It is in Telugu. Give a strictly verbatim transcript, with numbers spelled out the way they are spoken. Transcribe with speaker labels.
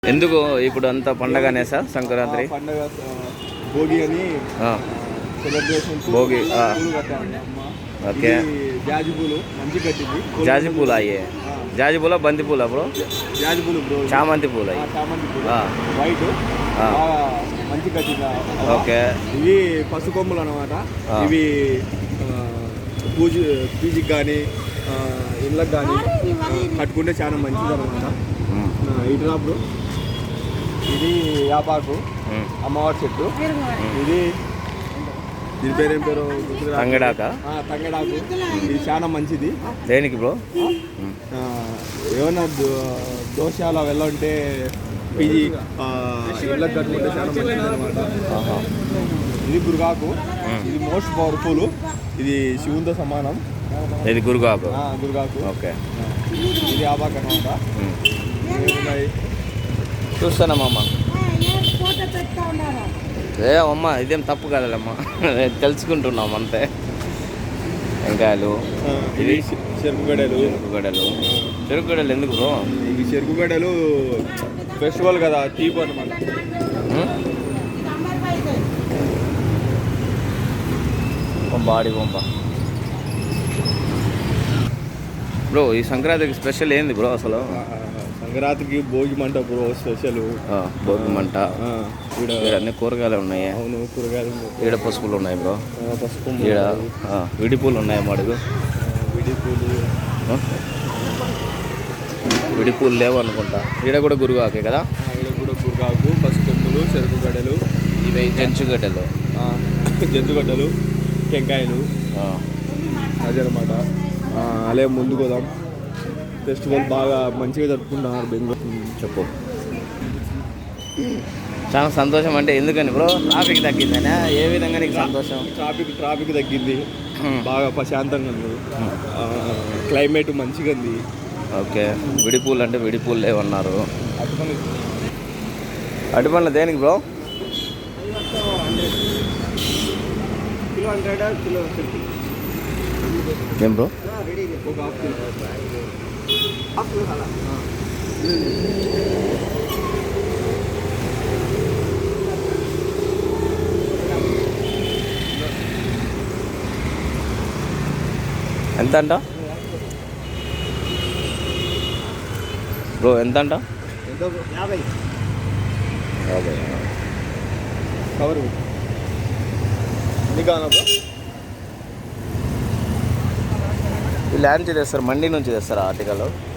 Speaker 1: ఎందుకు ఇప్పుడు అంతా పండగనే సార్ సంక్రాంతి
Speaker 2: పండగ భోగి అని సెలబ్రేషన్
Speaker 1: భోగి ఓకే
Speaker 2: జాజి పూలు మంచి కట్టింది
Speaker 1: జాజి పూలు అయ్యే జాజి పూల బంతి పూల బ్రో
Speaker 2: జాజి పూలు బ్రో
Speaker 1: చామంతి పూలు
Speaker 2: చామంతి పూలు వైట్ మంచి కట్టింది
Speaker 1: ఓకే
Speaker 2: ఇవి పసు కొమ్ములు అనమాట ఇవి పూజ పూజకి కానీ ఇళ్ళకి కానీ కట్టుకుంటే చాలా మంచిది అనమాట ఇటు బ్రో ఇది యాపాకు అమ్మవారి చెట్టు ఇది దీని పేరు ఏం పేరు
Speaker 1: తంగడాక
Speaker 2: తంగడాకు ఇది చాలా మంచిది
Speaker 1: దేనికి బ్రో
Speaker 2: ఏమన్నా దోషాలు వెళ్ళంటే పీజీ ఇళ్ళకి కట్టుకుంటే చాలా మంచిది అనమాట ఇది గురుగాకు ఇది మోస్ట్ పవర్ఫుల్ ఇది శివునితో సమానం
Speaker 1: ఇది గురుగాకు
Speaker 2: గురుగాకు
Speaker 1: ఓకే
Speaker 2: ఇది యాపాకు అనమాట
Speaker 1: చూస్తానమ్మా ఏ అమ్మ ఇదేం తప్పు కదమ్మా తెలుసుకుంటున్నాం అంతే వెంకాయలు
Speaker 2: ఇది చెరుకుగడలు
Speaker 1: చెరుకుగడలు చెరుకుగడలు ఎందుకు బ్రో
Speaker 2: ఇవి చెరుకుగడలు ఫెస్టివల్ కదా తీపు అనమాట
Speaker 1: బాడీ బొమ్మ బ్రో ఈ సంక్రాంతికి స్పెషల్ ఏంది బ్రో అసలు
Speaker 2: సంక్రాంతికి భోగి మంట బ్రో స్పెషల్
Speaker 1: భోగి మంట ఇక్కడ అన్ని కూరగాయలు ఉన్నాయి
Speaker 2: అవును కూరగాయలు
Speaker 1: ఈడ పసుపులు ఉన్నాయి బ్రో
Speaker 2: పసుపు
Speaker 1: ఈడ విడిపూలు ఉన్నాయి మడుగు
Speaker 2: విడిపూలు
Speaker 1: విడిపూలు లేవు అనుకుంటా ఈడ కూడా గురుగాకే కదా
Speaker 2: ఈడ కూడా గురుగాకు పసుకొమ్ములు చెరుకుగడ్డలు
Speaker 1: ఇవి జంచుగడ్డలు
Speaker 2: జంతుగడ్డలు టెంకాయలు అదనమాట అలాగే ముందుకు పోదాం ఫెస్టివల్ బాగా మంచిగా జరుపుకుంటున్నారు బెంగళూరు
Speaker 1: చెప్పు చాలా సంతోషం అంటే ఎందుకని బ్రో ట్రాఫిక్ తగ్గిందనే ఏ విధంగా నీకు సంతోషం
Speaker 2: ట్రాఫిక్ ట్రాఫిక్ తగ్గింది బాగా ప్రశాంతంగా ఉంది క్లైమేట్ మంచిగా ఉంది
Speaker 1: ఓకే విడిపూలు అంటే విడిపూలు లేవన్నారు అటుపండ్ల దేనికి బ్రో
Speaker 2: కిలో హండ్రెడ్ కిలో
Speaker 1: ఏం బ్రో
Speaker 2: ఒక హాఫ్ కిలో
Speaker 1: ఎంత అంట బ్రో ఎంత అంట
Speaker 2: యాభై
Speaker 1: యాభై
Speaker 2: కవర్ నీకు బ్రో
Speaker 1: వీళ్ళు నుంచి తెస్తారు మండి నుంచి తెస్తారా ఆర్టికల్